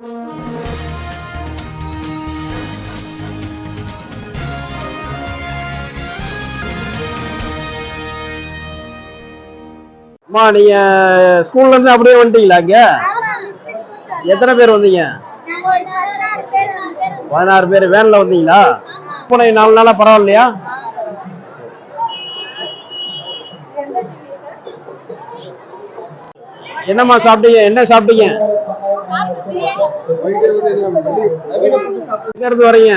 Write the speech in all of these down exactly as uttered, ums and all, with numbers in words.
அம்மா நீங்க ஸ்கூல்ல இருந்து அப்படியே வந்துட்டீங்களா? இங்க எத்தனை பேர் வந்தீங்க? பதினாறு பேர் வேன்ல வந்தீங்களா? போன நாலு நாளா பரவாயில்லையா? என்னம்மா சாப்பிட்டீங்க? என்ன சாப்பிட்டீங்க? எங்க இருந்து வரீங்க?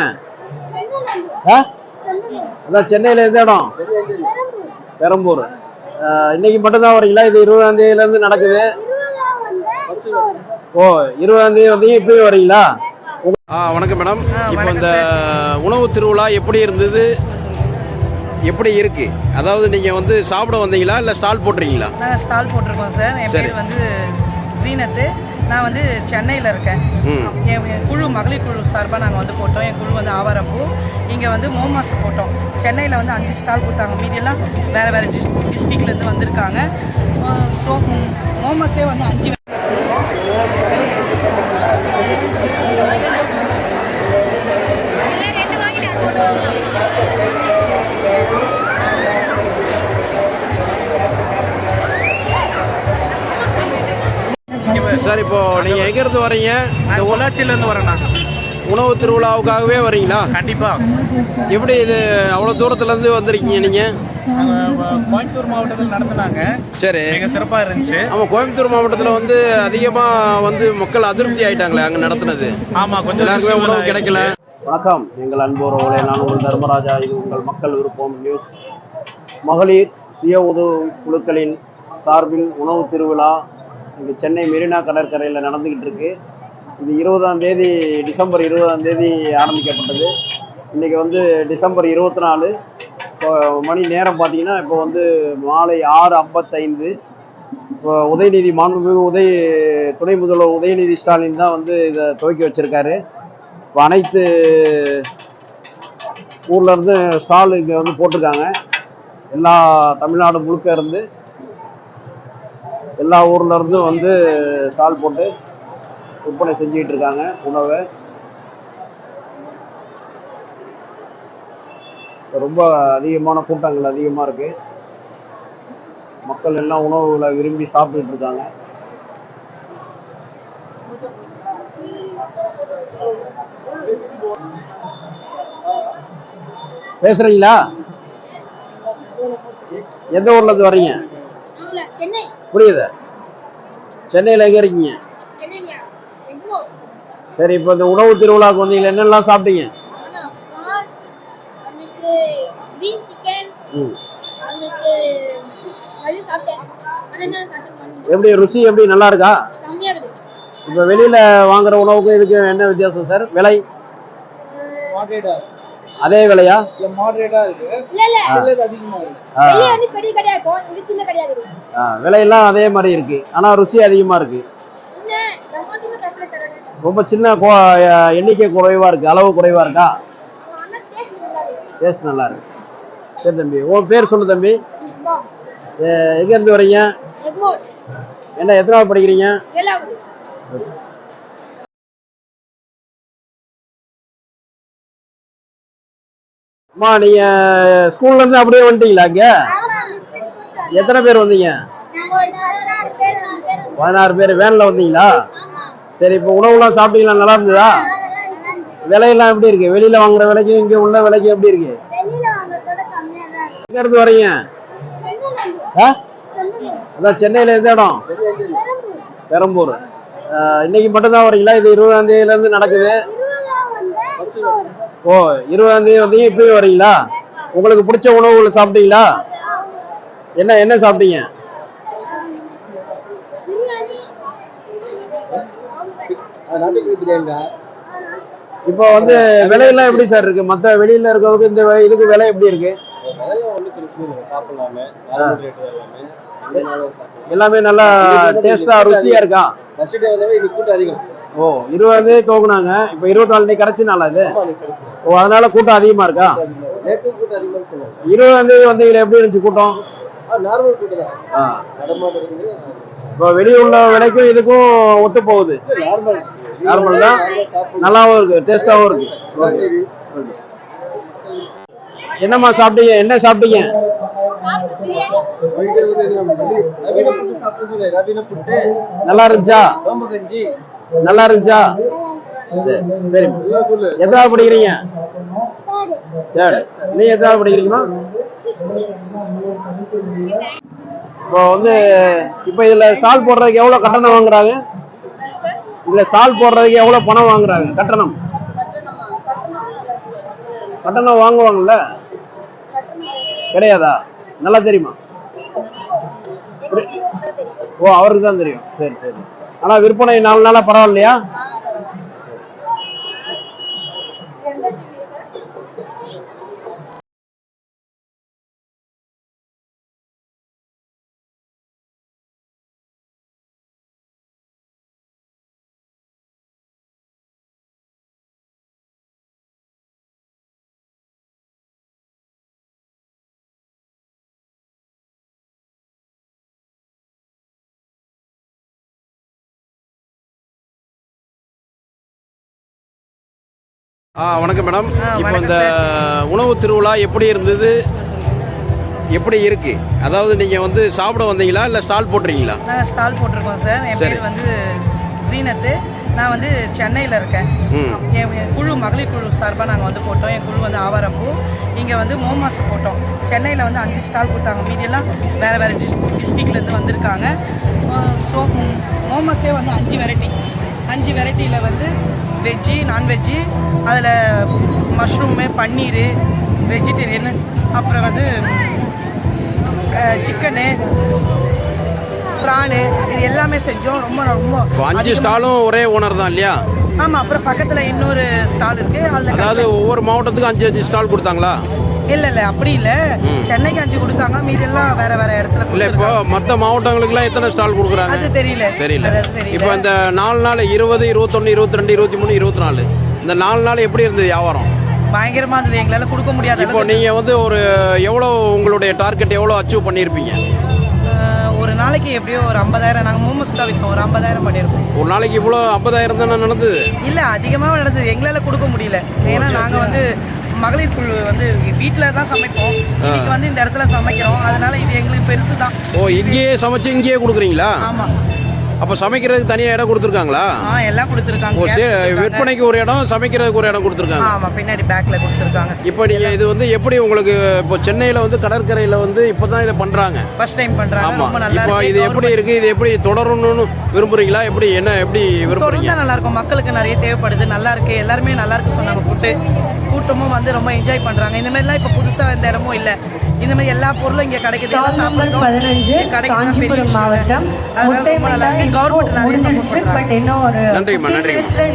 அதான் சென்னையில எந்த இடம்? பெரம்பூர். இன்னைக்கு மட்டும் தான் வரீங்களா? இது இருபதாம் தேதியில இருந்து நடக்குது. ஓ, இருபதாம் தேதி வந்து இப்பயும் வரீங்களா? ஆ வணக்கம் மேடம். இப்போ இந்த உணவு திருவிழா எப்படி இருந்தது, எப்படி இருக்கு? அதாவது நீங்க வந்து சாப்பிட வந்தீங்களா இல்ல ஸ்டால் போட்டுறீங்களா? நாங்கள் ஸ்டால் போட்டிருக்கோம் சார். என் பேர் வந்து ஜீனத்து. நான் வந்து சென்னையில் இருக்கேன். என் குழு மகளிர் குழு சார்பாக நாங்கள் வந்து போட்டோம். என் குழு வந்து ஆவாரம்பூ. இங்கே வந்து மோமாஸ் போட்டோம். சென்னையில் வந்து அஞ்சு ஸ்டால் கொடுத்தாங்க. மீதியெல்லாம் வேறு வேறு டிஸ் டிஸ்ட்ரிக்ட்லேருந்து வந்திருக்காங்க. ஸோ மோமாஸே வந்து அஞ்சு சார். இப்போ நீங்க எங்க இருந்து வரீங்க? பொள்ளாச்சியில இருந்து வரேண்ணா. உணவு திருவிழாவுக்காகவே வரீங்களா? கண்டிப்பா. எப்படி இது அவ்வளவு தூரத்துல இருந்து வந்திருக்கீங்க நீங்க? கோயம்புத்தூர் மாவட்டத்தில் நடத்தினாங்க. சரி, மிக சிறப்பா இருந்துச்சு. ஆமா, கோயம்புத்தூர் மாவட்டத்துல வந்து அதிகமா வந்து மக்கள் அதிருப்தி ஆயிட்டாங்களே அங்க நடத்துனது. ஆமா, கொஞ்சம் எல்லாருக்குமே உணவு கிடைக்கல. வணக்கம் எங்கள் அன்புறவுகளே, நான் உங்கள் தர்மராஜா. இது உங்கள் மக்கள் விருப்பம் நியூஸ். மகளிர் சுய உதவு குழுக்களின் சார்பில் உணவு திருவிழா இங்கே சென்னை மெரினா கடற்கரையில் நடந்துக்கிட்டு இருக்கு. இது இருபதாம் தேதி டிசம்பர் இருபதாம் தேதி ஆரம்பிக்கப்பட்டது. இன்றைக்கி வந்து டிசம்பர் இருபத்தி நாலு இப்போ மணி நேரம் பார்த்தீங்கன்னா இப்போ வந்து மாலை ஆறு ஐம்பத்தைந்து. இப்போ உதயநிதி மாண்புமிகு உதய துணை முதல்வர் உதயநிதி ஸ்டாலின் தான் வந்து இதை துவக்கி வச்சுருக்காரு. இப்போ அனைத்து ஊர்லேருந்து ஸ்டால் இங்கே வந்து போட்டிருக்காங்க. எல்லா தமிழ்நாடு முழுக்க இருந்து எல்லா ஊர்ல இருந்து வந்து ஸ்டால் போட்டு விற்பனை செஞ்சுக்கிட்டு இருக்காங்க உணவை. ரொம்ப அதிகமான கூட்டங்கள் அதிகமாக இருக்கு. மக்கள் எல்லாம் உணவுகளை விரும்பி சாப்பிட்டுட்டு இருக்காங்க. பேசுறீங்களா? எந்த ஊர்ல இருந்து வர்றீங்க? புரியுது. சென்னையில் எங்க இருக்கீங்க? சரி, இப்போ இந்த உணவு திருவிழாவுக்கு வந்தீங்களா? என்னெல்லாம் சாப்பிட்டீங்க? எப்படி ருசி எப்படி நல்லா இருக்கா? இப்போ வெளியில வாங்குற உணவுக்கும் இதுக்கு என்ன வித்தியாசம் சார்? விலை அதே விலையா? விலையெல்லாம் அதே மாதிரி இருக்கு, ஆனா ருசி அதிகமா இருக்கு. ரொம்ப சின்ன எண்ணிக்கை குறைவா இருக்கு, அளவு குறைவா இருக்கா? டேஸ்ட் நல்லா இருக்கு. சரி தம்பி, உன் பேர் சொல்லு தம்பி. எங்க இருந்து வரீங்க? என்ன எத்தனாவது படிக்கிறீங்க? அம்மா நீங்க ஸ்கூல்ல இருந்து அப்படியே வந்துட்டீங்களா? இங்க எத்தனை பேர் வந்தீங்க? பதினாறு பேர் வேன்ல வந்தீங்களா? சரி, இப்போ உணவுலாம் சாப்பிட்டீங்களா? நல்லா இருந்ததா? விலையெல்லாம் எப்படி இருக்கு? வெளியில வாங்குற விலைக்கு இங்க உள்ள விலைக்கு எப்படி இருக்கு? எங்க இருந்து வரீங்க? அதான் சென்னையில எந்த இடம்? பெரம்பூர். இன்னைக்கு மட்டும் தான் வரீங்களா? இது இருபதாம் தேதியில இருந்து நடக்குது. ஓ, இருபதாம் தேதி வந்து இப்பயும் வரீங்களா? உங்களுக்கு பிடிச்ச உணவுகளை சாப்பிட்டீங்களா? என்ன என்ன சாப்பிட்டீங்க? இப்போ வந்து விலையெல்லாம் எப்படி சார் இருக்கு? மற்ற வெளியில இருக்கிறதுக்கு இந்த இதுக்கு விலை எப்படி இருக்கு? எல்லாமே நல்லா டேஸ்டா ருசியா இருக்கா? ஓ, இருபதாம் தேதி துவங்கினாங்க, இப்போ இருபத்தி நாலு தேதி கடைசி நாள் அது. ஓ, அதனால கூட்டம் அதிகமா இருக்கா? இருபதாம் தேதி வந்து இதுல எப்படி இருந்துச்சு கூட்டம்? இப்போ வெளியே உள்ள விலைக்கும் இதுக்கும் ஒத்து போகுது. நார்மல் தான், நல்லாவும் இருக்கு, டேஸ்டாவும் இருக்கு. Okay okay. என்னம்மா சாப்பிட்டீங்க? என்ன சாப்பிட்டீங்க? நல்லா இருந்துச்சா? நல்லா இருந்துச்சா? சரி சரி. எதாவது படிக்கிறீங்க? சரி, நீ எதாவது படிக்கிறீங்களா? இப்போ வந்து இப்போ இதுல ஸ்டால் போடுறதுக்கு எவ்வளவு கட்டணம் வாங்குறாங்க? இதுல ஸ்டால் போடுறதுக்கு எவ்வளவு பணம் வாங்குறாங்க? கட்டணம் கட்டணம் வாங்குவாங்கல்ல? கிடையாதா? நல்லா தெரியுமா? ஓ, அவருக்கு தான் தெரியும். சரி சரி. ஆனா விற்பனை நாலு நாளா பரவாயில்லையா? ஆ வணக்கம் மேடம். இப்போ இந்த உணவு திருவிழா எப்படி இருந்தது, எப்படி இருக்கு? அதாவது நீங்கள் வந்து சாப்பிட வந்தீங்களா இல்லை ஸ்டால் போட்டுறீங்களா? நாங்கள் ஸ்டால் போட்டிருக்கோம் சார். என் பேர் வந்து சீனத்து. நான் வந்து சென்னையில் இருக்கேன். என் குழு மகளிர் குழு சார்பாக நாங்கள் வந்து போட்டோம். என் குழு வந்து ஆவாரம்பூ. இங்கே வந்து மோமாஸ் போட்டோம். சென்னையில் வந்து அஞ்சு ஸ்டால் கொடுத்தாங்க. மீதியெல்லாம் வேறு வேறு டிஸ் டிஸ்ட்ரிக்ட்லேருந்து வந்திருக்காங்க. ஸோ மோமாஸே வந்து அஞ்சு வெரைட்டி அஞ்சு வெரைட்டியில் வந்து வெஜ்ஜு, நான்வெஜ்ஜு, அதில் மஷ்ரூமு, பன்னீர், வெஜிடேரியனு, அப்புறம் வந்து சிக்கனு, ப்ரானு, இது எல்லாமே செஞ்சோம். ரொம்ப ரொம்ப அஞ்சு ஸ்டாலும் ஒரே ஓனர் தான் இல்லையா? ஆமாம். அப்புறம் பக்கத்தில் இன்னொரு ஸ்டால் இருக்குது. அதில் அதாவது ஒவ்வொரு மாவட்டத்துக்கும் அஞ்சு அஞ்சு ஸ்டால் கொடுத்தாங்களா? இல்லை இல்லை, அப்படி இல்லை. சென்னைக்கு அஞ்சு கொடுத்தாங்க, மீதெல்லாம் வேற வேற இடத்துல. இல்லை, இப்போ மற்ற மாவட்டங்களுக்குலாம் எத்தனை ஸ்டால் கொடுக்குறாங்க? அது தெரியல தெரியல. இப்போ இந்த நாலு நாள் இருபது, இருபத்தொன்று, இருபத்தி ரெண்டு, இருபத்தி மூணு, இருபத்தி நாலு இந்த நாலு நாள் எப்படி இருந்தது வியாபாரம்? பயங்கரமாக இருந்தது. எங்களால் கொடுக்க முடியாது. இப்போ நீங்கள் வந்து ஒரு எவ்வளோ உங்களுடைய டார்கெட் எவ்வளோ அச்சீவ் பண்ணியிருப்பீங்க? ஒரு நாளைக்கு எப்படியோ ஒரு ஐம்பதாயிரம். நாங்கள் மோமோஸ் தான் விற்போம். ஒரு ஐம்பதாயிரம் பண்ணியிருக்கோம். ஒரு நாளைக்கு இவ்வளோ ஐம்பதாயிரம் தானே நடந்தது? இல்லை, அதிகமாக நடந்தது. எங்களால் கொடுக்க முடியல. ஏன்னா நாங்கள் வந்து மகளிர் குழு வந்து வீட்டில் தான் சமைப்போம். இன்னைக்கு வந்து இந்த இடத்துல சமைக்கிறோம். அதனால இது எங்களுக்கு பெருசு தான். ஓ, இங்கேயே சமைச்சு இங்கேயே கொடுக்குறீங்களா? ஆமாம். அப்போ சமைக்கிறதுக்கு தனியாக இடம் கொடுத்துருக்காங்களா? ஆ, எல்லாம் கொடுத்துருக்காங்க. ஓ, சரி. விற்பனைக்கு ஒரு இடம், சமைக்கிறதுக்கு ஒரு இடம் கொடுத்துருக்காங்க. ஆமாம், பின்னாடி பேக்கில் கொடுத்துருக்காங்க. இப்போ நீங்கள் இது வந்து எப்படி உங்களுக்கு இப்போ சென்னையில் வந்து கடற்கரையில் வந்து இப்போ தான் இதை பண்ணுறாங்க, ஃபர்ஸ்ட் டைம் பண்ணுறாங்க. ஆமாம். ரொம்ப நல்லா இப்போ இது எப்படி இருக்குது, இது எப்படி தொடரணும்னு விரும்புறீங்களா? எப்படி என்ன எப்படி விரும்புறீங்க? நல்லா இருக்கும். மக்களுக்கு நிறைய தேவைப்படுது. நல்லா இருக்கு. எல்லாருமே நல்லா இருக்கு சொன்னாங்க. ஃபுட்டு கூட்டமும் வந்து ரொம்ப என்ஜாய் பண்ணுறாங்க. இந்த மாதிரிலாம் இப்போ புதுசாக எந்த இடமும் இல்லை. இந்த மாதிரி எல்லா பொருளும் இங்கே கிடைக்குது. காஞ்சிபுரம் மாவட்டம் நன்றிம்மா, நன்றி.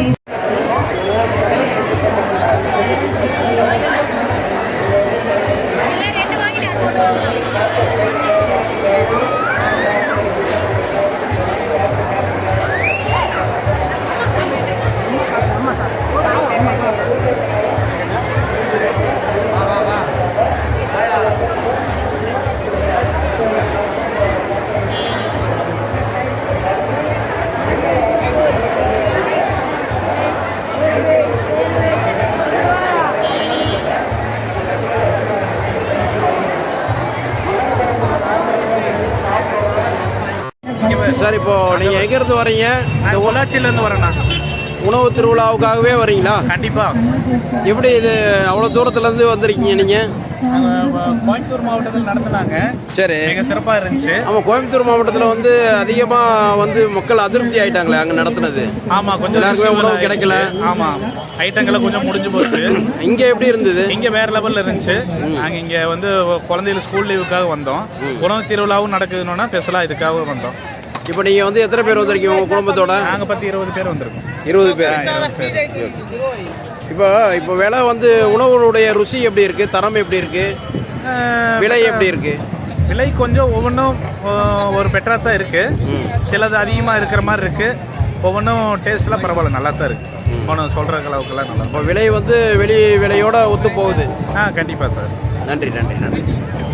சார், இப்போ நீங்கள் எங்கேருந்து வரீங்க? இந்த பொள்ளாச்சியிலேருந்து வரேண்ணா. உணவு திருவிழாவுக்காகவே வரீங்களா? கண்டிப்பாக. எப்படி இது அவ்வளோ தூரத்துலேருந்து வந்திருக்கீங்க நீங்கள்? கோயம்புத்தூர் மாவட்டத்தில் நடத்துனாங்க. சரி, மிக சிறப்பாக இருந்துச்சு. ஆமாம். கோயம்புத்தூர் மாவட்டத்தில் வந்து அதிகமாக வந்து மக்கள் அதிருப்தி ஆகிட்டாங்களே அங்கே நடத்துனது. ஆமாம், கொஞ்சம் எல்லாருக்குமே உணவு கிடைக்கல. ஆமாம், ஐட்டங்களை கொஞ்சம் முடிஞ்சு போச்சு. இங்கே எப்படி இருந்தது? இங்கே வேற லெவலில் இருந்துச்சு. நாங்கள் இங்கே வந்து குழந்தைகள் ஸ்கூல் லீவுக்காக வந்தோம். உணவு திருவிழாவும் நடக்குதுன்னா ஸ்பெஷலாக இதுக்காக வந்தோம். இப்போ நீங்கள் வந்து எத்தனை பேர் வந்திருக்கீங்க உங்கள் குடும்பத்தோட? நாங்கள் பத்து இருபது பேர் வந்திருக்கோம். இருபது பேர். இப்போ இப்போ விலை வந்து உணவுடைய ருசி எப்படி இருக்கு, தரம் எப்படி இருக்கு, விலை எப்படி இருக்கு? விலை கொஞ்சம் ஒவ்வொன்றும் ஒரு பெட்டராக தான் இருக்கு. சிலது அதிகமாக இருக்கிற மாதிரி இருக்கு. ஒவ்வொன்றும் டேஸ்ட்லாம் பரவாயில்ல, நல்லா தான் இருக்கு. ஒன்றும் சொல்கிற அளவுக்குலாம் நல்லா. இப்போ விலை வந்து வெளி விலையோட ஒத்து போகுது. ஆ, கண்டிப்பாக சார். நன்றி நன்றி நன்றி.